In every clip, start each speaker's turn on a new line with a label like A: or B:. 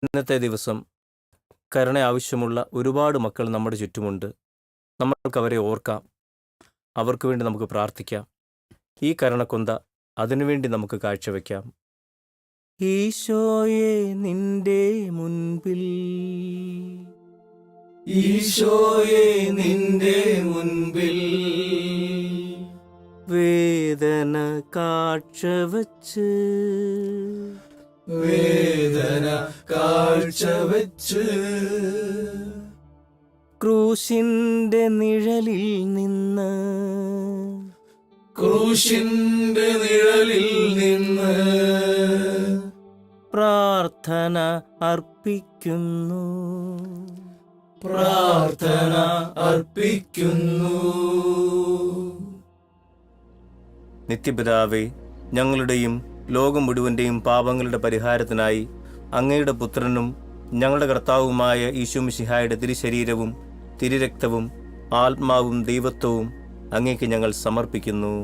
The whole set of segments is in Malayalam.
A: ഇന്നത്തെ ദിവസം കരുണ ആവശ്യമുള്ള ഒരുപാട് മക്കൾ നമ്മുടെ ചുറ്റുമുണ്ട്. നമ്മൾക്കവരെ ഓർക്കാം. അവർക്ക് വേണ്ടി നമുക്ക് പ്രാർത്ഥിക്കാം. ഈ കരുണക്കൊന്ത അതിനുവേണ്ടി നമുക്ക് കാഴ്ചവെക്കാം. ഈശോയെ നിന്റെ മുൻപിൽ,
B: ഈശോയെ നിന്റെ മുൻപിൽ
A: വേദന കാഴ്ചവെച്ച്,
B: വേദന കാഴ്ചവെച്ച്
A: ക്രൂശിന്റെ നിഴലിൽ നിന്ന്,
B: ക്രൂശിന്റെ നിഴലിൽ നിന്ന്
A: പ്രാർത്ഥന അർപ്പിക്കുന്നു,
B: പ്രാർത്ഥന അർപ്പിക്കുന്നു.
A: നിത്യപിതാവേ, ഞങ്ങളുടെയും ലോകം മുഴുവൻ്റെയും പാപങ്ങളുടെ പരിഹാരത്തിനായി അങ്ങയുടെ പുത്രനും ഞങ്ങളുടെ കർത്താവുമായ ഈശോമിശിഹായുടെ തിരുശരീരവും തിരുരക്തവും ആത്മാവും ദൈവത്വവും അങ്ങേക്ക് ഞങ്ങൾ സമർപ്പിക്കുന്നു.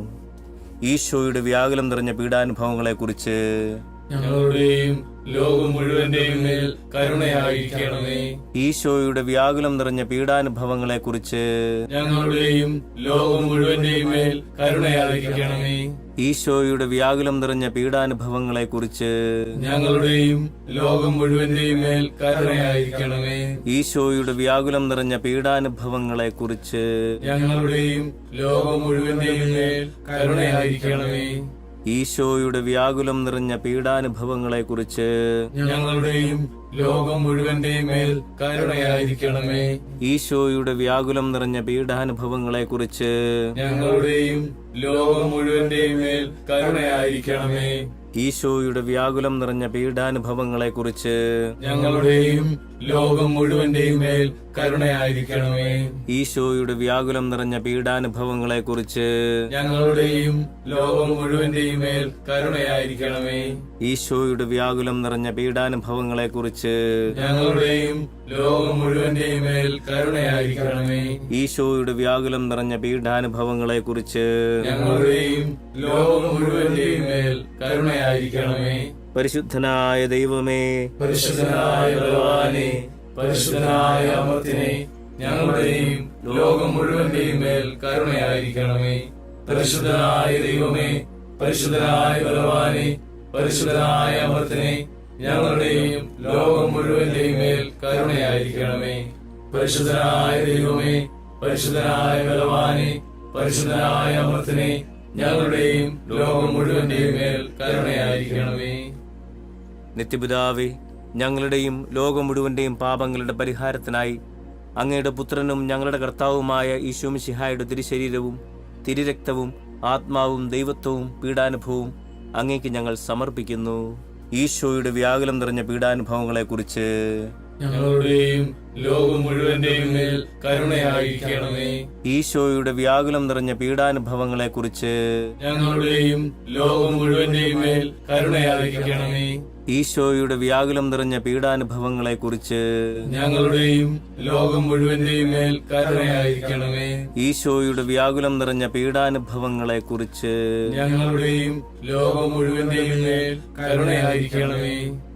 A: ഈശോയുടെ വ്യാകുലം നിറഞ്ഞ പീഡാനുഭവങ്ങളെക്കുറിച്ച്
B: ഞങ്ങളുടെയും ലോകം മുഴുവന്റെയും മേൽ കരുണയായിരിക്കണമേ.
A: ഈശോയുടെ വ്യാകുലം നിറഞ്ഞ പീഡാനുഭവങ്ങളെക്കുറിച്ച്
B: ഞങ്ങളുടെയും ലോകം മുഴുവന്റെയും മേൽ കരുണയായിരിക്കണമേ.
A: ഈശോയുടെ വ്യാകുലം നിറഞ്ഞ പീഡാനുഭവങ്ങളെക്കുറിച്ച്
B: ഞങ്ങളുടെയും ലോകം മുഴുവന്റെയും മേൽ കരുണയായിരിക്കണമേ.
A: ഈശോയുടെ വ്യാകുലം നിറഞ്ഞ പീഡാനുഭവങ്ങളെക്കുറിച്ച്
B: ഞങ്ങളുടെയും ലോകം മുഴുവന്റെയും മേൽ കരുണയായിരിക്കണമേ.
A: ഈശോയുടെ വ്യാകുലം നിറഞ്ഞ പീഡാനുഭവങ്ങളെക്കുറിച്ച്
B: ഞങ്ങളുടെയും ലോകം മുഴുവന്റെയും മേൽ കരുണയായിരിക്കണമേ.
A: ഈശോയുടെ വ്യാകുലം നിറഞ്ഞ പീഡാനുഭവങ്ങളെക്കുറിച്ച്
B: ഞങ്ങളുടെയും ലോകം മുഴുവന്റെയും മേൽ കരുണയായിരിക്കണമേ.
A: ഈശോയുടെ വ്യാകുലം നിറഞ്ഞ പീഡാനുഭവങ്ങളെക്കുറിച്ച്
B: ഞങ്ങളുടെയും ലോകം മുഴുവന്റെയും മേൽ കരുണയായിരിക്കണമേ.
A: ഈശോയുടെ വ്യാകുലം നിറഞ്ഞ പീഡാനുഭവങ്ങളെക്കുറിച്ച്
B: ഞങ്ങളുടെയും ലോകം മുഴുവന്റെയും മേൽ കരുണയായിരിക്കണമേ.
A: ഈശോയുടെ വ്യാകുലം നിറഞ്ഞ പീഡാനുഭവങ്ങളെക്കുറിച്ച്
B: ഞങ്ങളുടെയും ലോകം മുഴുവന്റെയും മേൽ കരുണയായിരിക്കണമേ.
A: ഈശോയുടെ വ്യാകുലം നിറഞ്ഞ പീഡാനുഭവങ്ങളെക്കുറിച്ച്
B: ഞങ്ങളുടെയും ലോകം മുഴുവന്റെയും മേൽ കരുണയായിരിക്കണമേ.
A: പരിശുദ്ധനായ ദൈവമേ,
B: പരിശുദ്ധനായ ഭഗവാനെ, പരിശുദ്ധനായ അമർത്തിനെ, ഞങ്ങളുടെയും ലോകം മുഴുവന്റെയും മേൽ കരുണയായിരിക്കണമേ. പരിശുദ്ധനായ ദൈവമേ, പരിശുദ്ധനായ ഭഗവാനെ, പരിശുദ്ധനായ അമർത്തിനെ, ഞങ്ങളുടെയും ലോകം മുഴുവന്റെയും മേൽ കരുണയായിരിക്കണമേ. പരിശുദ്ധനായ ദൈവമേ, പരിശുദ്ധനായ ഭഗവാനെ, പരിശുദ്ധനായ അമർത്തിനെ, ഞങ്ങളുടെയും ലോകം മുഴുവന്റെയും മേൽ കരുണയായിരിക്കണമേ.
A: നിത്യപിതാവേ, ഞങ്ങളുടെയും ലോകം മുഴുവന്റെയും പാപങ്ങളുടെ പരിഹാരത്തിനായി അങ്ങയുടെ പുത്രനും ഞങ്ങളുടെ കർത്താവുമായ ഈശോമിശിഹായുടെ തിരുശരീരവും തിരുരക്തവും ആത്മാവും ദൈവത്വവും പീഡാനുഭവവും അങ്ങേക്ക് ഞങ്ങൾ സമർപ്പിക്കുന്നു. ഈശോയുടെ വ്യാകുലം നിറഞ്ഞ പീഡാനുഭവങ്ങളെക്കുറിച്ച്
B: ഞങ്ങളുടെയും ലോകം മുഴുവന്റെയും മേൽ കരുണയായിരിക്കണമേ.
A: ഈശോയുടെ വ്യാകുലം നിറഞ്ഞ പീഡാനുഭവങ്ങളെക്കുറിച്ച്
B: ഞങ്ങളുടെയും ലോകം മുഴുവന്റെയും മേൽ കരുണയായിരിക്കണമേ.
A: ഈശോയുടെ വ്യാകുലം നിറഞ്ഞ പീഡാനുഭവങ്ങളെക്കുറിച്ച്
B: ഞങ്ങളുടെയും ലോകം മുഴുവന്റെയും മേൽ കരുണയായിരിക്കണമേ.
A: ഈശോയുടെ വ്യാകുലം നിറഞ്ഞ പീഡാനുഭവങ്ങളെക്കുറിച്ച്
B: ഞങ്ങളുടെയും ലോകം മുഴുവന്റെയും മേൽ കരുണയായിരിക്കണമേ.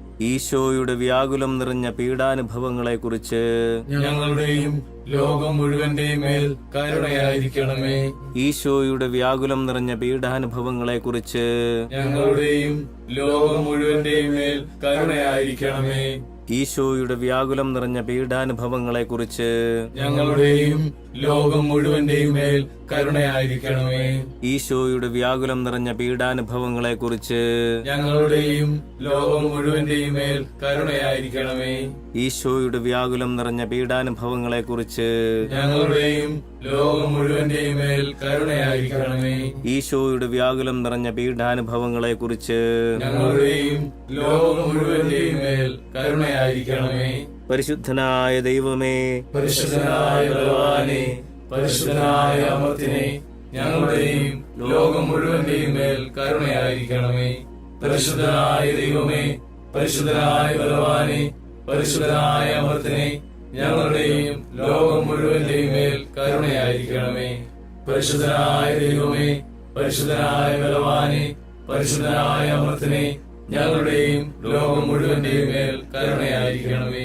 A: ഈശോയുടെ വ്യാകുലം നിറഞ്ഞ പീഡാനുഭവങ്ങളെക്കുറിച്ച്
B: ഞങ്ങളുടെയും ലോകം മുഴുവന്റെയും മേൽ കരുണയായിരിക്കണമേ.
A: ഈശോയുടെ വ്യാകുലം നിറഞ്ഞ പീഡാനുഭവങ്ങളെക്കുറിച്ച്
B: ഞങ്ങളുടെയും ലോകം മുഴുവന്റെയും മേൽ കരുണയായിരിക്കണമേ.
A: ഈശോയുടെ വ്യാകുലം നിറഞ്ഞ പീഡാനുഭവങ്ങളെക്കുറിച്ച്
B: ഞങ്ങളുടെയും ലോകം മുഴുവന്റെയും മേൽ കരുണയായിരിക്കണമേ.
A: ഈശോയുടെ വ്യാകുലം നിറഞ്ഞ പീഡാനുഭവങ്ങളെക്കുറിച്ച്
B: ഞങ്ങളുടെയും ലോകം മുഴുവന്റെയും മേൽ കരുണയായിരിക്കണമേ.
A: ഈശോയുടെ വ്യാകുലം നിറഞ്ഞ പീഡാനുഭവങ്ങളെക്കുറിച്ച്
B: ഞങ്ങളുടെയും ലോകം മുഴുവന്റെയും മേൽ കരുണയായിരിക്കണമേ.
A: ഈശോയുടെ വ്യാകുലം നിറഞ്ഞ പീഡാനുഭവങ്ങളെക്കുറിച്ച്
B: ഞങ്ങളുടെയും ലോകം മുഴുവന്റെയും മേൽ കരുണയായിരിക്കണമേ.
A: പരിശുദ്ധനായ ദൈവമേ,
B: പരിശുദ്ധനായ ഭഗവാനെ, പരിശുദ്ധനായ അമർത്തിനെ, ഞങ്ങളുടെയും ലോകം മുഴുവന്റെയും മേൽ കരുണയായിരിക്കണമേ. പരിശുദ്ധനായ ദൈവമേ, പരിശുദ്ധനായ ഭഗവാനെ, പരിശുദ്ധനായ അമർത്തിനെ, ഞങ്ങളുടെയും ലോകം മുഴുവന്റെയും മേൽ കരുണയായിരിക്കണമേ. പരിശുദ്ധനായ ദൈവമേ, പരിശുദ്ധനായ ഭഗവാനെ, പരിശുദ്ധനായ അമർത്തിനെ, ഞങ്ങളുടെയും ലോകം മുഴുവന്റെയും മേൽ കരുണയായിരിക്കണമേ.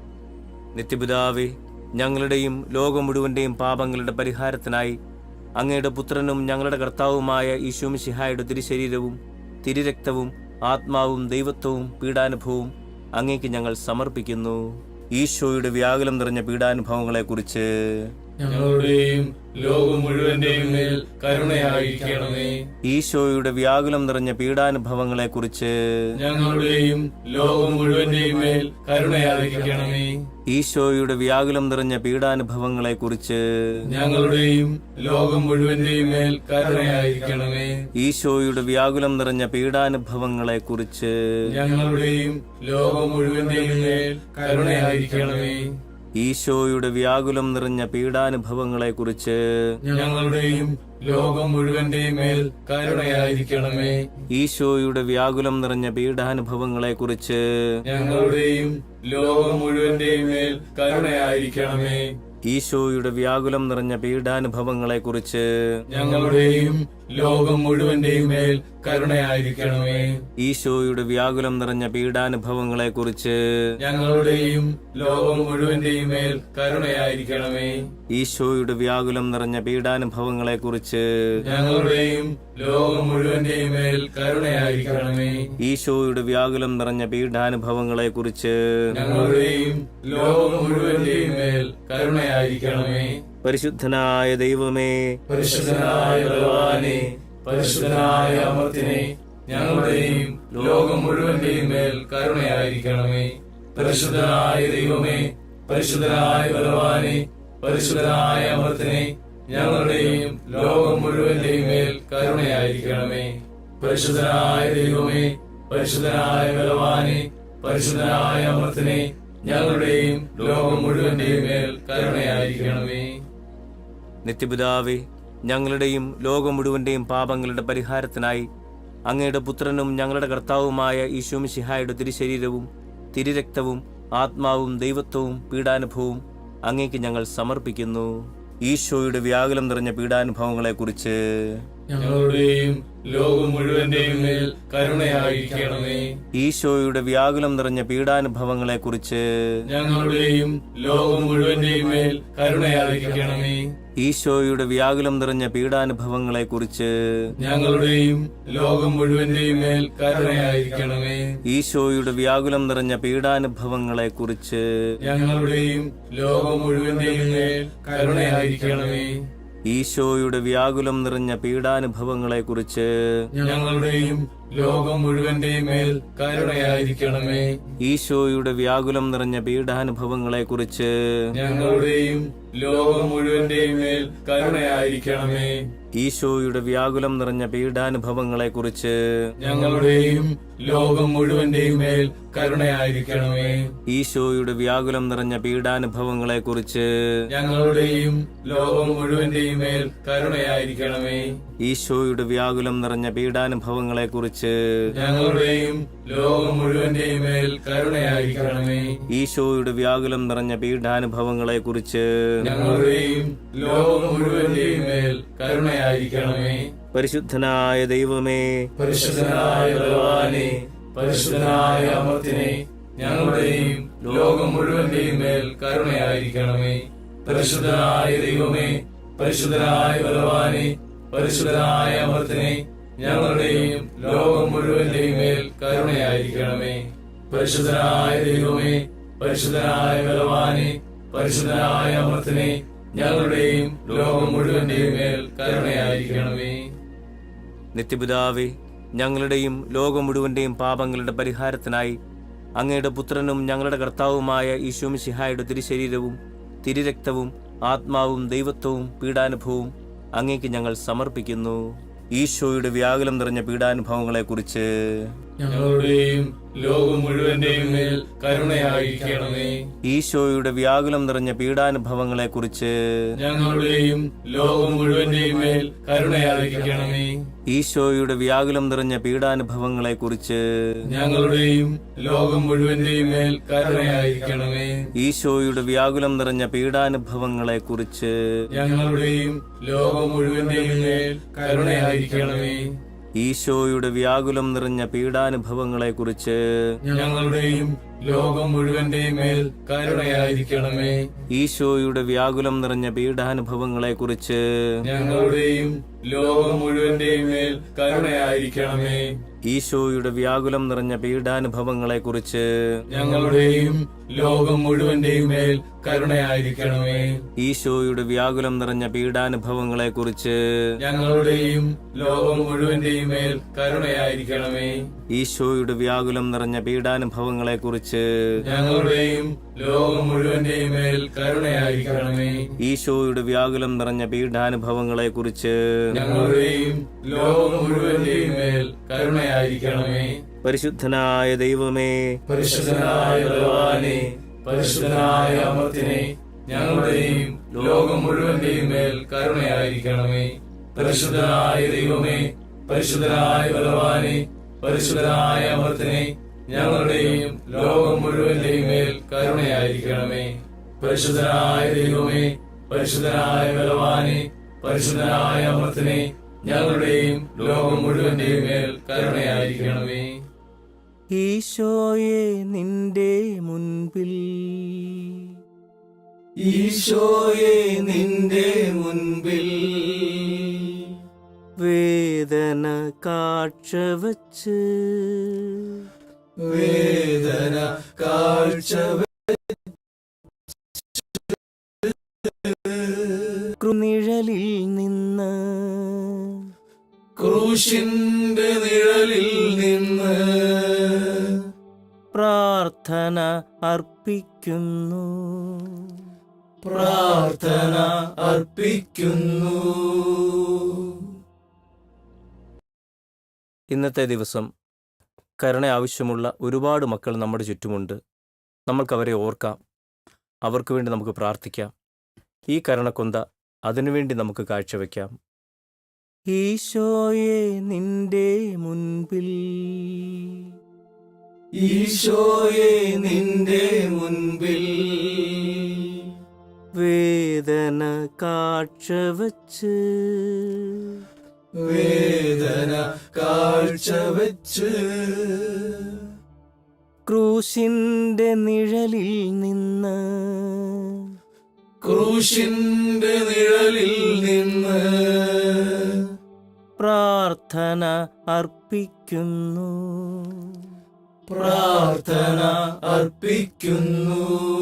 A: നിത്യപിതാവേ, ഞങ്ങളുടെയും ലോകം മുഴുവന്റെയും പാപങ്ങളുടെ പരിഹാരത്തിനായി അങ്ങയുടെ പുത്രനും ഞങ്ങളുടെ കർത്താവുമായ ഈശോ മിശിഹായുടെ തിരുശരീരവും തിരുരക്തവും ആത്മാവും ദൈവത്വവും പീഡാനുഭവവും അങ്ങേക്ക് ഞങ്ങൾ സമർപ്പിക്കുന്നു. ഈശോയുടെ വ്യാകുലം നിറഞ്ഞ പീഡാനുഭവങ്ങളെക്കുറിച്ച്
B: ഞങ്ങളുടെയും ലോകം മുഴുവന്റെയും മേൽ കരുണയായിരിക്കണമേ.
A: ഈശോയുടെ വ്യാകുലം നിറഞ്ഞ പീഡാനുഭവങ്ങളെക്കുറിച്ച്
B: ഞങ്ങളുടെയും ലോകം മുഴുവന്റെയും മേൽ കരുണയായിരിക്കണമേ.
A: ഈശോയുടെ വ്യാകുലം നിറഞ്ഞ പീഡാനുഭവങ്ങളെക്കുറിച്ച്
B: ഞങ്ങളുടെയും ലോകം മുഴുവന്റെയും മേൽ കരുണയായിരിക്കണമേ.
A: ഈശോയുടെ വ്യാകുലം നിറഞ്ഞ പീഡാനുഭവങ്ങളെക്കുറിച്ച്
B: ഞങ്ങളുടെയും ലോകം മുഴുവന്റെയും മേൽ കരുണയായിരിക്കണമേ.
A: ഈശോയുടെ വ്യാകുലം നിറഞ്ഞ പീഡാനുഭവങ്ങളെക്കുറിച്ച്
B: ഞങ്ങളുടെയും ലോകം മുഴുവന്റെയും മേൽ കരുണയായിരിക്കണമേ.
A: ഈശോയുടെ വ്യാകുലം നിറഞ്ഞ പീഡാനുഭവങ്ങളെക്കുറിച്ച്
B: ഞങ്ങളുടെയും ലോകം മുഴുവന്റെയും മേൽ കരുണയായിരിക്കണമേ.
A: ഈശോയുടെ വ്യാകുലം നിറഞ്ഞ പീഡാനുഭവങ്ങളെക്കുറിച്ച്
B: ഞങ്ങളുടെയും ലോകം മുഴുവന്റെയും മേൽ കരുണയായിരിക്കണമേ.
A: ഈശോയുടെ വ്യാകുലം നിറഞ്ഞ പീഡാനുഭവങ്ങളെക്കുറിച്ച്
B: ഞങ്ങളുടെയും ലോകം മുഴുവന്റെയും മേൽ കരുണയായിരിക്കണമേ.
A: ഈശോയുടെ വ്യാകുലം നിറഞ്ഞ പീഡാനുഭവങ്ങളെക്കുറിച്ച്
B: ഞങ്ങളുടെയും ലോകം മുഴുവന്റെയും മേൽ കരുണയായിരിക്കണമേ.
A: ഈശോയുടെ വ്യാകുലം നിറഞ്ഞ പീഡാനുഭവങ്ങളെക്കുറിച്ച്
B: ഞങ്ങളുടെയും ലോകം മുഴുവന്റെയും മേൽ കരുണയായിരിക്കണമേ.
A: പരിശുദ്ധനായ ദൈവമേ,
B: പരിശുദ്ധനായ ബലവാനേ, പരിശുദ്ധനായ അമർത്തിനെ, ഞങ്ങളുടെയും ലോകം മുഴുവന്റെയും മേൽ കരുണയായിരിക്കണമേ. പരിശുദ്ധനായ ദൈവമേ, പരിശുദ്ധനായ ബലവാനേ, പരിശുദ്ധനായ അമർത്തിനെ, ഞങ്ങളുടെയും ലോകം മുഴുവന്റെയും മേൽ കരുണയായിരിക്കണമേ. പരിശുദ്ധനായ ദൈവമേ, പരിശുദ്ധനായ ബലവാനേ, പരിശുദ്ധനായ അമർത്തിനെ, ഞങ്ങളുടെയും ലോകം മുഴുവന്റെയും മേൽ കരുണയായിരിക്കണമേ.
A: നിത്യപിതാവേ, ഞങ്ങളുടെയും ലോകം മുഴുവന്റെയും പാപങ്ങളുടെ പരിഹാരത്തിനായി അങ്ങയുടെ പുത്രനും ഞങ്ങളുടെ കർത്താവുമായ ഈശോ മിശിഹായുടെ തിരുശരീരവും തിരുരക്തവും ആത്മാവും ദൈവത്വവും പീഡാനുഭവവും അങ്ങേക്ക് ഞങ്ങൾ സമർപ്പിക്കുന്നു. ഈശോയുടെ വ്യാകുലം നിറഞ്ഞ പീഡാനുഭവങ്ങളെക്കുറിച്ച്
B: ഞങ്ങളുടെയും ലോകം മുഴുവന്റെയും മേൽ കരുണയായിരിക്കണമേ.
A: ഈശോയുടെ വ്യാകുലം നിറഞ്ഞ പീഡാനുഭവങ്ങളെക്കുറിച്ച്
B: ഞങ്ങളുടെയും ലോകം മുഴുവന്റെയും മേൽ കരുണയായിരിക്കണമേ.
A: ഈശോയുടെ വ്യാകുലം നിറഞ്ഞ പീഡാനുഭവങ്ങളെക്കുറിച്ച്
B: ഞങ്ങളുടെയും ലോകം മുഴുവന്റെയും മേൽ കരുണയായിരിക്കണമേ.
A: ഈശോയുടെ വ്യാകുലം നിറഞ്ഞ പീഡാനുഭവങ്ങളെക്കുറിച്ച്
B: ഞങ്ങളുടെയും ലോകം മുഴുവന്റെയും മേൽ കരുണയായിരിക്കണമേ.
A: ഈശോയുടെ വ്യാകുലം നിറഞ്ഞ പീഡാനുഭവങ്ങളെക്കുറിച്ച്
B: ഞങ്ങളുടെയും ലോകം മുഴുവന്റെയും മേൽ കരുണയായിരിക്കണമേ.
A: ഈശോയുടെ വ്യാകുലം നിറഞ്ഞ പീഡാനുഭവങ്ങളെക്കുറിച്ച്
B: ഞങ്ങളുടെയും ലോകം മുഴുവന്റെയും മേൽ കരുണയായിരിക്കണമേ.
A: ഈശോയുടെ വ്യാകുലം നിറഞ്ഞ പീഡാനുഭവങ്ങളെക്കുറിച്ച്
B: ഞങ്ങളുടെയും ലോകം മുഴുവന്റെയും മേൽ കരുണയായിരിക്കണമേ.
A: ഈശോയുടെ വ്യാകുലം നിറഞ്ഞ പീഡാനുഭവങ്ങളെക്കുറിച്ച്
B: ഞങ്ങളുടെയും ലോകം മുഴുവന്റെയും മേൽ കരുണയായിരിക്കണമേ.
A: ഈശോയുടെ വ്യാകുലം നിറഞ്ഞ പീഡാനുഭവങ്ങളെക്കുറിച്ച്
B: ഞങ്ങളുടെയും ലോകം മുഴുവന്റെയും മേൽ കരുണയായിരിക്കണമേ.
A: ഈശോയുടെ വ്യാകുലം നിറഞ്ഞ പീഡാനുഭവങ്ങളെക്കുറിച്ച്
B: ഞങ്ങളുടെയും ലോകം മുഴുവന്റെയും മേൽ കരുണയായിരിക്കണമേ.
A: പരിശുദ്ധനായ ദൈവമേ,
B: പരിശുദ്ധനായ ബലവാനേ, പരിശുദ്ധനായ അമർത്തിനെ, ഞങ്ങളുടെയും ലോകം മുഴുവന്റെയും മേൽ കരുണയായിരിക്കണമേ. പരിശുദ്ധനായ ദൈവമേ, പരിശുദ്ധനായ ബലവാനേ, പരിശുദ്ധനായ അമർത്തിനെ, ഞങ്ങളുടെയും ലോകം മുഴുവന്റെയും മേൽ കരുണയായിരിക്കണമേ. പരിശുദ്ധനായ ദൈവമേ, പരിശുദ്ധനായ ബലവാനേ, പരിശുദ്ധനായ അമർത്തിനെ, ഞങ്ങളുടെയും ലോകം മുഴുവന്റെയും മേൽ കരുണയായിരിക്കണമേ.
A: നിത്യപിതാവേ, ഞങ്ങളുടെയും ലോകം മുഴുവന്റെയും പാപങ്ങളുടെ പരിഹാരത്തിനായി അങ്ങയുടെ പുത്രനും ഞങ്ങളുടെ കർത്താവുമായ ഈശോ മിശിഹായുടെ തിരുശരീരവും തിരുരക്തവും ആത്മാവും ദൈവത്വവും പീഡാനുഭവവും അങ്ങേക്ക് ഞങ്ങൾ സമർപ്പിക്കുന്നു. ഈശോയുടെ വ്യാകുലം നിറഞ്ഞ പീഡാനുഭവങ്ങളെക്കുറിച്ച്
B: ഞങ്ങളുടെയും ലോകം മുഴുവന്റെയും മേൽ കരുണയായിരിക്കണമേ.
A: ഈശോയുടെ വ്യാകുലം നിറഞ്ഞ പീഡാനുഭവങ്ങളെക്കുറിച്ച്
B: ഞങ്ങളുടെയും ലോകം മുഴുവന്റെയും മേൽ കരുണയായിരിക്കണമേ.
A: ഈശോയുടെ വ്യാകുലം നിറഞ്ഞ പീഡാനുഭവങ്ങളെക്കുറിച്ച്
B: ഞങ്ങളുടെയും ലോകം മുഴുവന്റെയും മേൽ കരുണയായിരിക്കണമേ.
A: ഈശോയുടെ വ്യാകുലം നിറഞ്ഞ പീഡാനുഭവങ്ങളെക്കുറിച്ച്
B: ഞങ്ങളുടെയും ലോകം മുഴുവന്റെയും മേൽ കരുണയായിരിക്കണമേ.
A: ഈശോയുടെ വ്യാകുലം നിറഞ്ഞ പീഡാനുഭവങ്ങളെക്കുറിച്ച്
B: ഞങ്ങളുടെയും ലോകം മുഴുവന്റെയും മേൽ കരുണയായിരിക്കണമേ.
A: ഈശോയുടെ വ്യാകുലം നിറഞ്ഞ പീഡാനുഭവങ്ങളെക്കുറിച്ച്
B: ഞങ്ങളുടെയും ലോകം മുഴുവന്റെയും മേൽ കരുണയായിരിക്കണമേ.
A: ഈശോയുടെ വ്യാകുലം നിറഞ്ഞ പീഡാനുഭവങ്ങളെക്കുറിച്ച്
B: ഞങ്ങളുടെയും ലോകം മുഴുവന്റെയും മേൽ കരുണയായിരിക്കണമേ.
A: ഈശോയുടെ വ്യാകുലം നിറഞ്ഞ പീഡാനുഭവങ്ങളെക്കുറിച്ച്
B: ഞങ്ങളുടെയും ലോകം മുഴുവന്റെയും മേൽ കരുണയായിരിക്കണമേ.
A: ഈശോയുടെ വ്യാകുലം നിറഞ്ഞ പീഡാനുഭവങ്ങളെക്കുറിച്ച്
B: ഞങ്ങളുടെയും ലോകം മുഴുവന്റെയും മേൽ കരുണയായിരിക്കണമേ.
A: ഈശോയുടെ വ്യാകുലം നിറഞ്ഞ പീഡാനുഭവങ്ങളെക്കുറിച്ച്
B: ഞങ്ങളുടെയും ലോകം മുഴുവന്റെയും മേൽ കരുണയായിരിക്കണമേ.
A: പരിശുദ്ധനായ ദൈവമേ,
B: പരിശുദ്ധനായ ഭഗവാനെ, പരിശുദ്ധനായ അമർത്തിനെ, ഞങ്ങളുടെയും ലോകം മുഴുവന്റെയും മേൽ കരുണയായിരിക്കണമേ. പരിശുദ്ധനായ ദൈവമേ, പരിശുദ്ധനായ ഭഗവാനെ, പരിശുദ്ധനായ അമർത്തിനെ, ഞങ്ങളുടെയും ലോകം മുഴുവന്റെയും മേൽ കരുണയായിരിക്കണമേ. പരിശുദ്ധനായ ദൈവമേ, പരിശുദ്ധനായ ഭഗവാനെ, പരിശുദ്ധനായ അമർത്തിനെ, ഞങ്ങളുടെയും ലോകം മുഴുവന്റെയും മേൽ കരുണയായിരിക്കണമേ.
A: ഈശോയെ നിന്റെ മുൻപിൽ,
B: ഈശോയെ നിന്റെ മുൻപിൽ
A: വേദന കാഴ്ചവച്ച്,
B: വേദന കാഴ്ച
A: കൃനിഴലിൽ നിന്ന്,
B: ക്രൂശിന്റെ നിഴലിൽ നിന്ന്
A: പ്രാർത്ഥന അർപ്പിക്കുന്നു,
B: പ്രാർത്ഥന അർപ്പിക്കുന്നു.
A: ഇന്നത്തെ ദിവസം കരുണ ആവശ്യമുള്ള ഒരുപാട് മക്കൾ നമ്മുടെ ചുറ്റുമുണ്ട്. നമ്മൾക്കവരെ ഓർക്കാം, അവർക്ക് വേണ്ടി നമുക്ക് പ്രാർത്ഥിക്കാം. ഈ കരുണക്കൊന്ത അതിനുവേണ്ടി നമുക്ക് കാഴ്ചവെക്കാം. ഈശോയെ നിന്റെ മുൻപിൽ,
B: ഈശോയെ നിന്റെ മുൻപിൽ
A: വേദന കാഴ്ചവച്ച്,
B: വേദന കാഴ്ച വെച്ച്
A: ക്രൂശിന്റെ നിഴലിൽ നിന്ന്,
B: ക്രൂശിന്റെ നിഴലിൽ നിന്ന്
A: പ്രാർത്ഥന അർപ്പിക്കുന്നു,
B: പ്രാർത്ഥന അർപ്പിക്കുന്നു.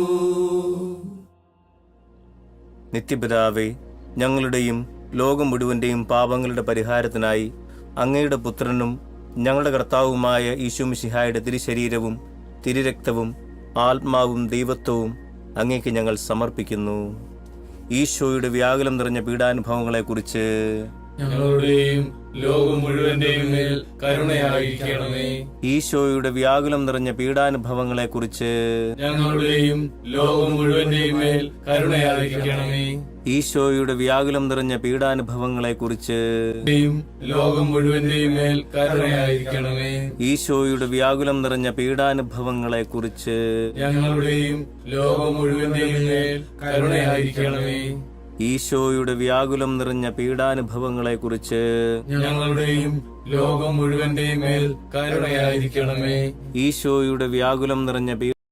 A: നിത്യപിതാവേ, ഞങ്ങളുടെയും ലോകം മുഴുവൻ്റെയും പാപങ്ങളുടെ പരിഹാരത്തിനായി അങ്ങയുടെ പുത്രനും ഞങ്ങളുടെ കർത്താവുമായ ഈശോമിശിഹായുടെ തിരുശരീരവും തിരുരക്തവും ആത്മാവും ദൈവത്വവും അങ്ങേക്ക് ഞങ്ങൾ സമർപ്പിക്കുന്നു. ഈശോയുടെ വ്യാകുലം നിറഞ്ഞ പീഡാനുഭവങ്ങളെക്കുറിച്ച്
B: ഞങ്ങളുടെയും ലോകം മുഴുവന്റെയും മേൽ കരുണയായിരിക്കണമേ.
A: ഈശോയുടെ വ്യാകുലം നിറഞ്ഞ പീഡാനുഭവങ്ങളെക്കുറിച്ച്
B: ഞങ്ങളുടെയും ലോകം മുഴുവന്റെയും മേൽ കരുണയായിരിക്കണമേ.
A: ഈശോയുടെ വ്യാകുലം നിറഞ്ഞ പീഡാനുഭവങ്ങളെക്കുറിച്ച്
B: ലോകം മുഴുവന്റെയും മേൽ കരുണയായിരിക്കണമേ.
A: ഈശോയുടെ വ്യാകുലം നിറഞ്ഞ പീഡാനുഭവങ്ങളെക്കുറിച്ച്
B: ഞങ്ങളുടെയും ലോകം മുഴുവന്റെയും മേൽ കരുണയായിരിക്കണമേ.
A: ഈശോയുടെ വ്യാകുലം നിറഞ്ഞ പീഡാനുഭവങ്ങളെക്കുറിച്ച്
B: ഞങ്ങളുടെയും ലോകം മുഴുവന്റെയും മേൽ കരുണയായിരിക്കണമേ.
A: ഈശോയുടെ വ്യാകുലം നിറഞ്ഞ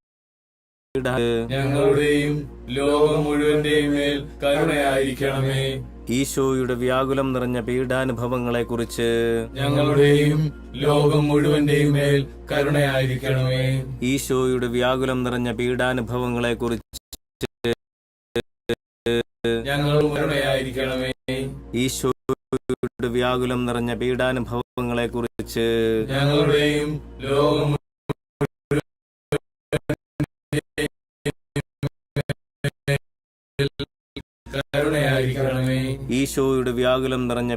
B: ഞങ്ങളുടെയും ലോകം മുഴുവന്റെയും മേൽ കരുണയായിരിക്കണമേ.
A: ഈശോയുടെ വ്യാകുലം നിറഞ്ഞ പീഡാനുഭവങ്ങളെക്കുറിച്ച്
B: ഞങ്ങളുടെയും ലോകം മുഴുവന്റെയും മേൽ കരുണയായിരിക്കണമേ.
A: ഈശോയുടെ വ്യാകുലം നിറഞ്ഞ പീഡാനുഭവങ്ങളെക്കുറിച്ച്
B: ഞങ്ങൾ കരുണയായിരിക്കണമേ.
A: ഈശോയുടെ വ്യാകുലം നിറഞ്ഞ പീഡാനുഭവങ്ങളെക്കുറിച്ച്
B: ഞങ്ങളുടെയും ലോകം കരുണയായിരിക്കണമേ.
A: ഈശോയുടെ വ്യാകുലം നിറഞ്ഞ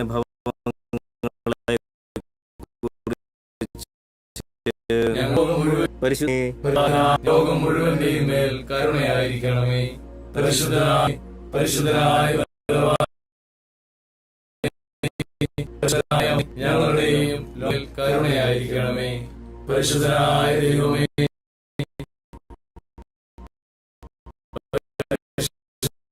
B: ലോകം മുഴുവന്റെയും മേൽ കരുണയായിരിക്കണമേ. പരിശുദ്ധനായ പരിശുദ്ധനായ ഞങ്ങളുടെയും മേൽ കരുണയായിരിക്കണമേ. പരിശുദ്ധനായ ദൈവമേ,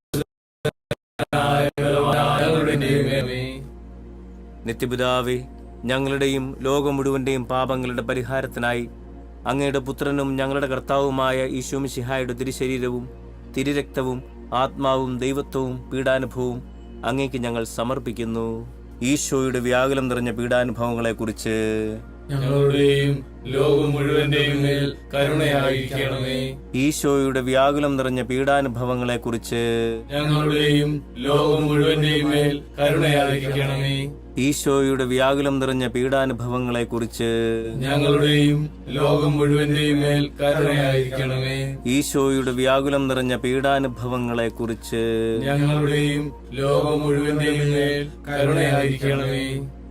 A: നിത്യപിതാവേ, ഞങ്ങളുടെയും ലോകം മുഴുവന്റെയും പാപങ്ങളുടെ പരിഹാരത്തിനായി അങ്ങയുടെ പുത്രനും ഞങ്ങളുടെ കർത്താവുമായ ഈശോമിശിഹായുടെ തിരുശരീരവും തിരുരക്തവും ആത്മാവും ദൈവത്വവും പീഡാനുഭവവും അങ്ങേക്ക് ഞങ്ങൾ സമർപ്പിക്കുന്നു. ഈശോയുടെ വ്യാകുലം നിറഞ്ഞ പീഡാനുഭവങ്ങളെക്കുറിച്ച്
B: ഞങ്ങളുടെയും ലോകം മുഴുവന്റെയും മേൽ കരുണയായിരിക്കണമേ.
A: ഈശോയുടെ വ്യാകുലം നിറഞ്ഞ പീഡാനുഭവങ്ങളെക്കുറിച്ച്
B: ഞങ്ങളുടെയും ലോകം മുഴുവന്റെയും മേൽ കരുണയായിരിക്കണമേ.
A: ഈശോയുടെ വ്യാകുലം നിറഞ്ഞ പീഡാനുഭവങ്ങളെക്കുറിച്ച്
B: ഞങ്ങളുടെയും ലോകം മുഴുവന്റെയും മേൽ കരുണയായിരിക്കണമേ.
A: ഈശോയുടെ വ്യാകുലം നിറഞ്ഞ പീഡാനുഭവങ്ങളെക്കുറിച്ച്
B: ഞങ്ങളുടെയും ലോകം മുഴുവന്റെയും മേൽ കരുണയായിരിക്കണമേ.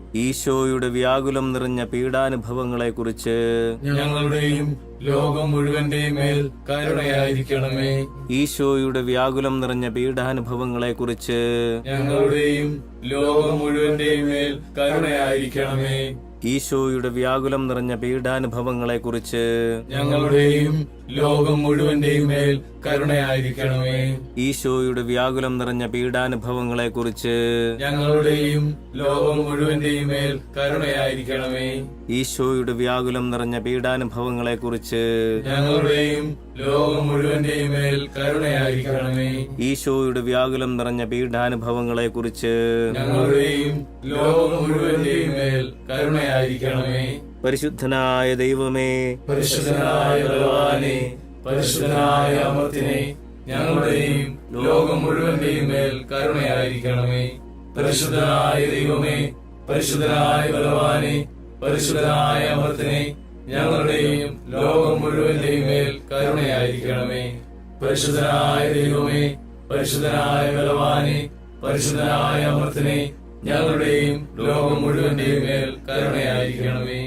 A: ഈശോയുടെ വ്യാകുലം നിറഞ്ഞ പീഡാനുഭവങ്ങളെക്കുറിച്ച്
B: ഞങ്ങളുടെയും ലോകം മുഴുവന്റെയും മേൽ കരുണയായിരിക്കണമേ.
A: ഈശോയുടെ വ്യാകുലം നിറഞ്ഞ പീഡാനുഭവങ്ങളെക്കുറിച്ച്
B: ഞങ്ങളുടെയും ലോകം മുഴുവന്റെയും മേൽ കരുണയായിരിക്കണമേ.
A: ഈശോയുടെ വ്യാകുലം നിറഞ്ഞ പീഡാനുഭവങ്ങളെക്കുറിച്ച്
B: ഞങ്ങളുടെയും ലോകം മുഴുവന്റെയും മേൽ കരുണയായിരിക്കണമേ.
A: ഈശോയുടെ വ്യാകുലം നിറഞ്ഞ പീഡാനുഭവങ്ങളെക്കുറിച്ച്
B: ഞങ്ങളുടെയും ലോകം മുഴുവന്റെയും മേൽ കരുണയായിരിക്കണമേ.
A: ഈശോയുടെ വ്യാകുലം നിറഞ്ഞ പീഡാനുഭവങ്ങളെക്കുറിച്ച്
B: ഞങ്ങളുടെയും ലോകം മുഴുവന്റെയും മേൽ കരുണയായിരിക്കണമേ.
A: ഈശോയുടെ വ്യാകുലം നിറഞ്ഞ പീഡാനുഭവങ്ങളെക്കുറിച്ച്
B: ഞങ്ങളുടെയും ലോകം മുഴുവന്റെയും മേൽ കരുണയായിരിക്കണമേ.
A: പരിശുദ്ധനായ ദൈവമേ,
B: പരിശുദ്ധനായ ബലവാനേ, പരിശുദ്ധനായ അമർത്തിനെ, ഞങ്ങളുടെയും ലോകം മുഴുവന്റെയും മേൽ കരുണയായിരിക്കണമേ. പരിശുദ്ധനായ ദൈവമേ, പരിശുദ്ധനായ ബലവാനേ, പരിശുദ്ധനായ അമർത്തിനെ, ഞങ്ങളുടെയും ലോകം മുഴുവന്റെയും മേൽ കരുണയായിരിക്കണമേ. പരിശുദ്ധനായ ദൈവമേ, പരിശുദ്ധനായ ബലവാനേ, പരിശുദ്ധനായ അമർത്തിനെ, ഞങ്ങളുടെയും ലോകം മുഴുവന്റെയും മേൽ കരുണയായിരിക്കണമേ.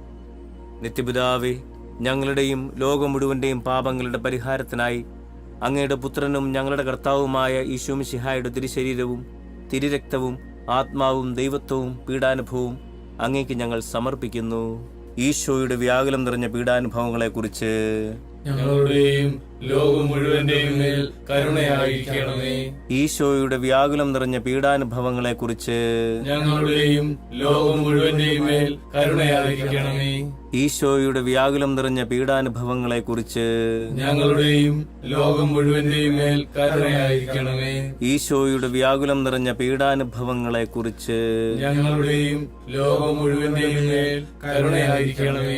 A: നിത്യപിതാവേ, ഞങ്ങളുടെയും ലോകം മുഴുവന്റെയും പാപങ്ങളുടെ പരിഹാരത്തിനായി അങ്ങയുടെ പുത്രനും ഞങ്ങളുടെ കർത്താവുമായ ഈശോമിശിഹായുടെ തിരുശരീരവും തിരുരക്തവും ആത്മാവും ദൈവത്വവും പീഡാനുഭവവും അങ്ങേക്ക് ഞങ്ങൾ സമർപ്പിക്കുന്നു. ഈശോയുടെ വ്യാകുലം നിറഞ്ഞ പീഡാനുഭവങ്ങളെക്കുറിച്ച്
B: ഞങ്ങളുടെയും ലോകം മുഴുവന്റെയും മേൽ കരുണയായിരിക്കണമേ.
A: ഈശോയുടെ വ്യാകുലം നിറഞ്ഞ പീഡാനുഭവങ്ങളെക്കുറിച്ച്
B: ഞങ്ങളുടെയും ലോകം മുഴുവന്റെയും മേൽ കരുണയായിരിക്കണമേ.
A: ഈശോയുടെ വ്യാകുലം നിറഞ്ഞ പീഡാനുഭവങ്ങളെക്കുറിച്ച്
B: ഞങ്ങളുടെയും ലോകം മുഴുവന്റെയും മേൽ കരുണയായിരിക്കണമേ.
A: ഈശോയുടെ വ്യാകുലം നിറഞ്ഞ പീഡാനുഭവങ്ങളെക്കുറിച്ച്
B: ഞങ്ങളുടെയും ലോകം മുഴുവന്റെയും മേൽ കരുണയായിരിക്കണമേ.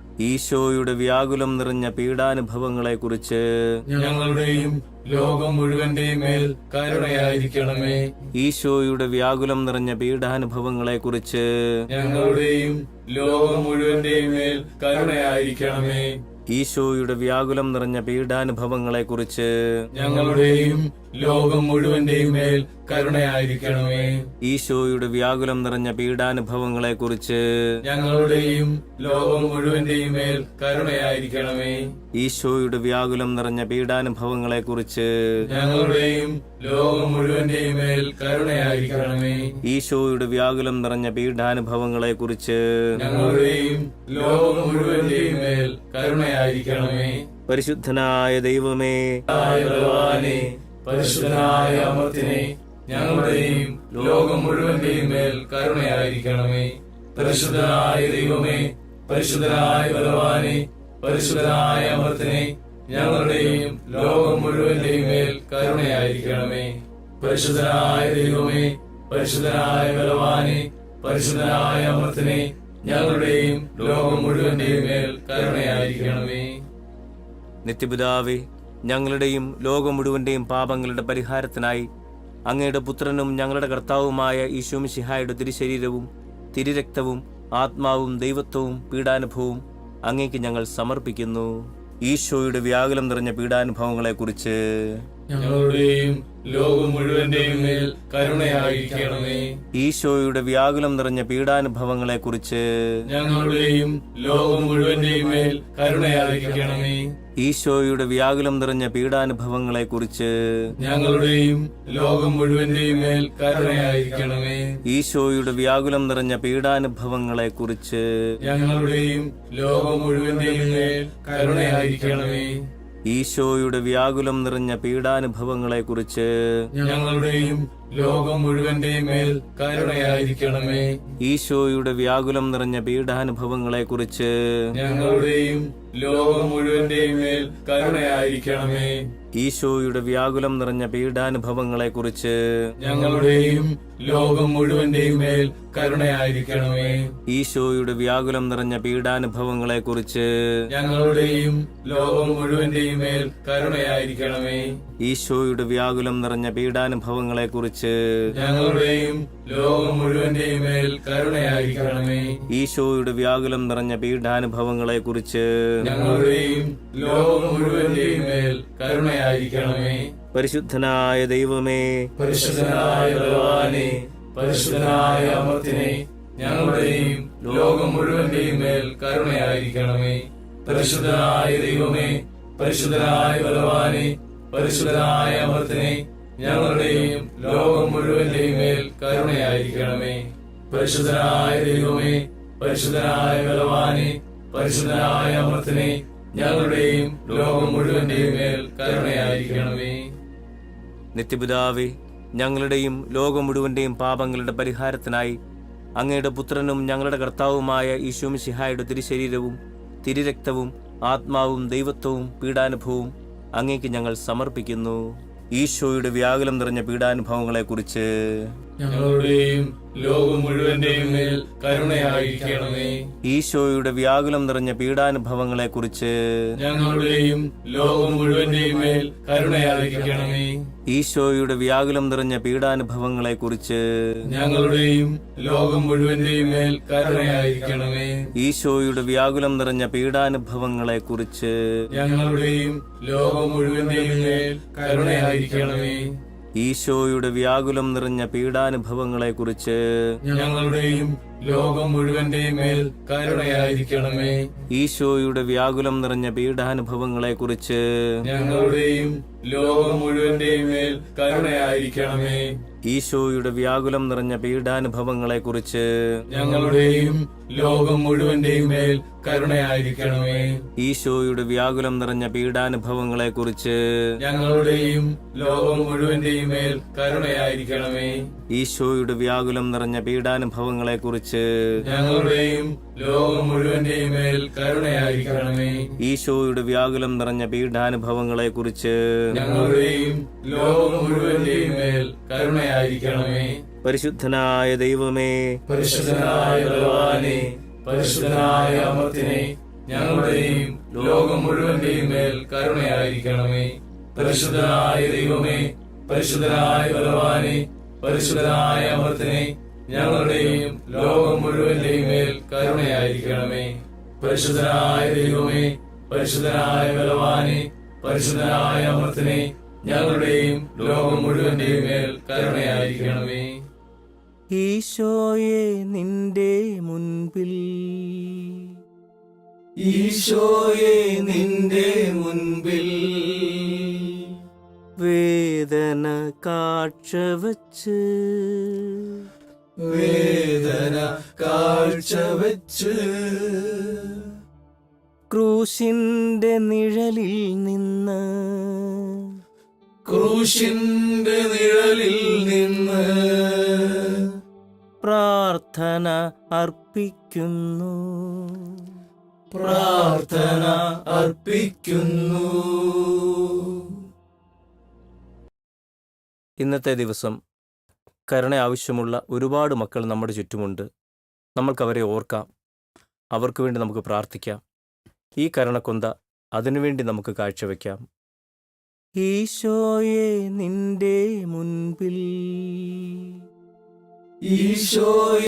A: ഈശോയുടെ വ്യാകുലം നിറഞ്ഞ പീഡാനുഭവങ്ങളെക്കുറിച്ച്
B: ഞങ്ങളുടെയും ലോകം മുഴുവന്റെയും മേൽ കരുണയായിരിക്കണമേ.
A: ഈശോയുടെ വ്യാകുലം നിറഞ്ഞ പീഡാനുഭവങ്ങളെക്കുറിച്ച്
B: ഞങ്ങളുടെയും ലോകം മുഴുവന്റെയും മേൽ കരുണയായിരിക്കണമേ.
A: ഈശോയുടെ വ്യാകുലം നിറഞ്ഞ പീഡാനുഭവങ്ങളെക്കുറിച്ച്
B: ഞങ്ങളുടെയും ലോകം മുഴുവന്റെയും മേൽ കരുണയായിരിക്കണമേ.
A: ഈശോയുടെ വ്യാകുലം നിറഞ്ഞ പീഡാനുഭവങ്ങളെക്കുറിച്ച്
B: ഞങ്ങളുടെയും ലോകം മുഴുവന്റെയും മേൽ കരുണയായിരിക്കണമേ.
A: ഈശോയുടെ വ്യാകുലം നിറഞ്ഞ പീഡാനുഭവങ്ങളെക്കുറിച്ച്
B: ഞങ്ങളുടെയും ലോകം മുഴുവന്റെയും മേൽ കരുണയായിരിക്കണമേ.
A: ഈശോയുടെ വ്യാകുലം നിറഞ്ഞ പീഡാനുഭവങ്ങളെക്കുറിച്ച്
B: ഞങ്ങളുടെയും ലോകം മുഴുവന്റെയും മേൽ കരുണയായിരിക്കണമേ.
A: പരിശുദ്ധനായ ദൈവമേ,
B: ബലവാനേ, പരിശുദ്ധനായ അമർത്തിനെ, ഞങ്ങളുടെയും ലോകം മുഴുവന്റെയും മേൽ കരുണയായിരിക്കണമേ. പരിശുദ്ധനായ ദൈവമേ, പരിശുദ്ധനായ ബലവാനേ, പരിശുദ്ധനായ അമർത്തിനെ, ഞങ്ങളുടെയും ലോകം മുഴുവന്റെയും മേൽ കരുണയായിരിക്കണമേ. പരിശുദ്ധനായ ദൈവമേ, പരിശുദ്ധനായ ബലവാനേ, പരിശുദ്ധനായ അമർത്തിനെ, ഞങ്ങളുടെയും ലോകം മുഴുവന്റെയും മേൽ കരുണയായിരിക്കണമേ.
A: നിത്യപിതാവേ, ഞങ്ങളുടെയും ലോകം മുഴുവന്റെയും പാപങ്ങളുടെ പരിഹാരത്തിനായി അങ്ങയുടെ പുത്രനും ഞങ്ങളുടെ കർത്താവുമായ ഈശോമിശിഹായുടെ തിരുശരീരവും തിരുരക്തവും ആത്മാവും ദൈവത്വവും പീഡാനുഭവവും അങ്ങേക്ക് ഞങ്ങൾ സമർപ്പിക്കുന്നു. ഈശോയുടെ വ്യാകുലം നിറഞ്ഞ പീഡാനുഭവങ്ങളെക്കുറിച്ച്
B: ഞങ്ങളുടെയും ലോകം മുഴുവന്റെയും മേൽ കരുണയായിരിക്കണമേ.
A: ഈശോയുടെ വ്യാകുലം നിറഞ്ഞ പീഡാനുഭവങ്ങളെക്കുറിച്ച്
B: ഞങ്ങളുടെയും ലോകം മുഴുവന്റെയും മേൽ കരുണയായിരിക്കണമേ.
A: ഈശോയുടെ വ്യാകുലം നിറഞ്ഞ പീഡാനുഭവങ്ങളെക്കുറിച്ച്
B: ഞങ്ങളുടെയും ലോകം മുഴുവന്റെയും മേൽ കരുണയായിരിക്കണമേ.
A: ഈശോയുടെ വ്യാകുലം നിറഞ്ഞ പീഡാനുഭവങ്ങളെക്കുറിച്ച്
B: ഞങ്ങളുടെയും ലോകം മുഴുവന്റെയും മേൽ കരുണയായിരിക്കണമേ.
A: ഈശോയുടെ വ്യാകുലം നിറഞ്ഞ പീഡാനുഭവങ്ങളെക്കുറിച്ച്
B: ഞങ്ങളുടെയും ലോകം മുഴുവന്റെയും മേൽ കരുണയായിരിക്കണമേ.
A: ഈശോയുടെ വ്യാകുലം നിറഞ്ഞ പീഡാനുഭവങ്ങളെക്കുറിച്ച്
B: ഞങ്ങളുടെയും ലോകം മുഴുവന്റെയും മേൽ കരുണയായിരിക്കണമേ.
A: ഈശോയുടെ വ്യാകുലം നിറഞ്ഞ പീഡാനുഭവങ്ങളെക്കുറിച്ച്
B: ഞങ്ങളുടെയും ലോകം മുഴുവന്റെയും മേൽ കരുണയായിരിക്കണമേ.
A: ഈശോയുടെ വ്യാകുലം നിറഞ്ഞ പീഡാനുഭവങ്ങളെക്കുറിച്ച്
B: ഞങ്ങളുടെയും ലോകം മുഴുവന്റെയും മേൽ കരുണയായിരിക്കണമേ.
A: ഈശോയുടെ വ്യാകുലം നിറഞ്ഞ പീഡാനുഭവങ്ങളെക്കുറിച്ച്
B: ഞങ്ങളുടെയും ലോകം മുഴുവന്റെയും മേൽ കരുണയായിരിക്കണമേ.
A: ഈശോയുടെ വ്യാകുലം നിറഞ്ഞ പീഡാനുഭവങ്ങളെക്കുറിച്ച്
B: ഞങ്ങളുടെയും ലോകം മുഴുവന്റെയും മേൽ കരുണയായിരിക്കണമേ.
A: പരിശുദ്ധനായ ദൈവമേ,
B: പരിശുദ്ധനായ ഭഗവാനേ, പരിശുദ്ധനായ അമർത്തിനെ, ഞങ്ങളുടെയും ലോകം മുഴുവന്റെയും മേൽ കരുണയായിരിക്കണമേ. പരിശുദ്ധനായ ദൈവമേ, പരിശുദ്ധനായ ഭഗവാനേ, പരിശുദ്ധനായ അമർത്തിനെ, ഞങ്ങളുടെയും ലോകം മുഴുവന്റെയും മേൽ കരുണയായിരിക്കണമേ. പരിശുദ്ധനായ ദൈവമേ, പരിശുദ്ധനായ ഭഗവാനേ, പരിശുദ്ധനായ അമർത്തിനെ, ഞങ്ങളുടെയും ലോകം മുഴുവന്റെയും മേൽ കരുണയായിരിക്കണമേ.
A: നിത്യപിതാവേ, ഞങ്ങളുടെയും ലോകം മുഴുവന്റെയും പാപങ്ങളുടെ പരിഹാരത്തിനായി അങ്ങയുടെ പുത്രനും ഞങ്ങളുടെ കർത്താവുമായ ഈശോ മിശിഹായുടെ തിരുശരീരവും തിരുരക്തവും ആത്മാവും ദൈവത്വവും പീഡാനുഭവവും അങ്ങേക്ക് ഞങ്ങൾ സമർപ്പിക്കുന്നു. ഈശോയുടെ വ്യാകുലം നിറഞ്ഞ പീഡാനുഭവങ്ങളെക്കുറിച്ച്
B: ഞങ്ങളുടെയും ലോകം മുഴുവന്റെയും മേൽ കരുണയായിരിക്കണമേ.
A: ഈശോയുടെ വ്യാകുലം നിറഞ്ഞ പീഡാനുഭവങ്ങളെക്കുറിച്ച്
B: ഞങ്ങളുടെയും ലോകം മുഴുവന്റെയും മേൽ കരുണയായിരിക്കണമേ.
A: ഈശോയുടെ വ്യാകുലം നിറഞ്ഞ പീഡാനുഭവങ്ങളെക്കുറിച്ച്
B: ഞങ്ങളുടെയും ലോകം മുഴുവന്റെയും മേൽ കരുണയായിരിക്കണമേ.
A: ഈശോയുടെ വ്യാകുലം നിറഞ്ഞ പീഡാനുഭവങ്ങളെക്കുറിച്ച്
B: ഞങ്ങളുടെയും ലോകം മുഴുവന്റെയും മേൽ കരുണയായിരിക്കണമേ.
A: ഈശോയുടെ വ്യാകുലം നിറഞ്ഞ പീഡാനുഭവങ്ങളെക്കുറിച്ച്
B: ഞങ്ങളുടെയും ലോകം മുഴുവന്റെയും മേൽ കരുണയായിരിക്കണമേ.
A: ഈശോയുടെ വ്യാകുലം നിറഞ്ഞ പീഡാനുഭവങ്ങളെക്കുറിച്ച്
B: ഞങ്ങളുടെയും ലോകം മുഴുവന്റെയും മേൽ കരുണയായിരിക്കണമേ.
A: ഈശോയുടെ വ്യാകുലം നിറഞ്ഞ പീഡാനുഭവങ്ങളെക്കുറിച്ച്
B: ഞങ്ങളുടെയും ലോകം മുഴുവന്റെയും മേൽ കരുണയായിരിക്കണമേ.
A: ഈശോയുടെ വ്യാകുലം നിറഞ്ഞ പീഡാനുഭവങ്ങളെക്കുറിച്ച്
B: ഞങ്ങളുടെയും ലോകം മുഴുവന്റെയും മേൽ കരുണയായിരിക്കണമേ.
A: ഈശോയുടെ വ്യാകുലം നിറഞ്ഞ പീഡാനുഭവങ്ങളെക്കുറിച്ച്
B: ഞങ്ങളുടെയും ലോകം മുഴുവന്റെയും മേൽ കരുണയായിരിക്കണമേ.
A: ഈശോയുടെ വ്യാകുലം നിറഞ്ഞ പീഡാനുഭവങ്ങളെക്കുറിച്ച്
B: ഞങ്ങളുടെയും ലോകം മുഴുവന്റെയും മേൽ കരുണയായിരിക്കണമേ.
A: പരിശുദ്ധനായ ദൈവമേ,
B: പരിശുദ്ധനായ ഭഗവാനേ, പരിശുദ്ധനായ അമർത്തിനെ, ഞങ്ങളുടെയും ലോകം മുഴുവന്റെയും മേൽ കരുണയായിരിക്കണമേ. പരിശുദ്ധനായ ദൈവമേ, പരിശുദ്ധനായ ഭഗവാനേ, പരിശുദ്ധനായ അമർത്തിനെ, ഞങ്ങളുടെയും ലോകം മുഴുവന്റെയും മേൽ കരുണയായിരിക്കണമേ. പരിശുദ്ധനായ ദൈവമേ, പരിശുദ്ധനായ ഭഗവാനേ, പരിശുദ്ധനായ അമർത്തിനെ, ഞങ്ങളുടെയും ലോകം മുഴുവന്റെയും മേൽ കരുണയായിരിക്കണമേ.
A: ഈശോയെ നിന്റെ മുൻപിൽ,
B: ഈശോയെ നിന്റെ മുൻപിൽ
A: വേദന കാഴ്ചവച്ച്,
B: വേദന കാഴ്ചവച്ച്,
A: ക്രൂശിന്റെ നിഴലിൽ നിന്ന്,
B: ക്രൂശിന്റെ നിഴലിൽ നിന്ന്
A: പ്രാർത്ഥന അർപ്പിക്കുന്നു,
B: പ്രാർത്ഥന അർപ്പിക്കുന്നു.
A: ഇന്നത്തെ ദിവസം കരുണ ആവശ്യമുള്ള ഒരുപാട് മക്കൾ നമ്മുടെ ചുറ്റുമുണ്ട്. നമ്മൾക്കവരെ ഓർക്കാം, അവർക്ക് വേണ്ടി നമുക്ക് പ്രാർത്ഥിക്കാം. ഈ കരുണക്കൊന്ത അതിനുവേണ്ടി നമുക്ക് കാഴ്ചവെക്കാം. ഈശോയെ നിന്റെ മുൻപിൽ,
B: ഈശോയെ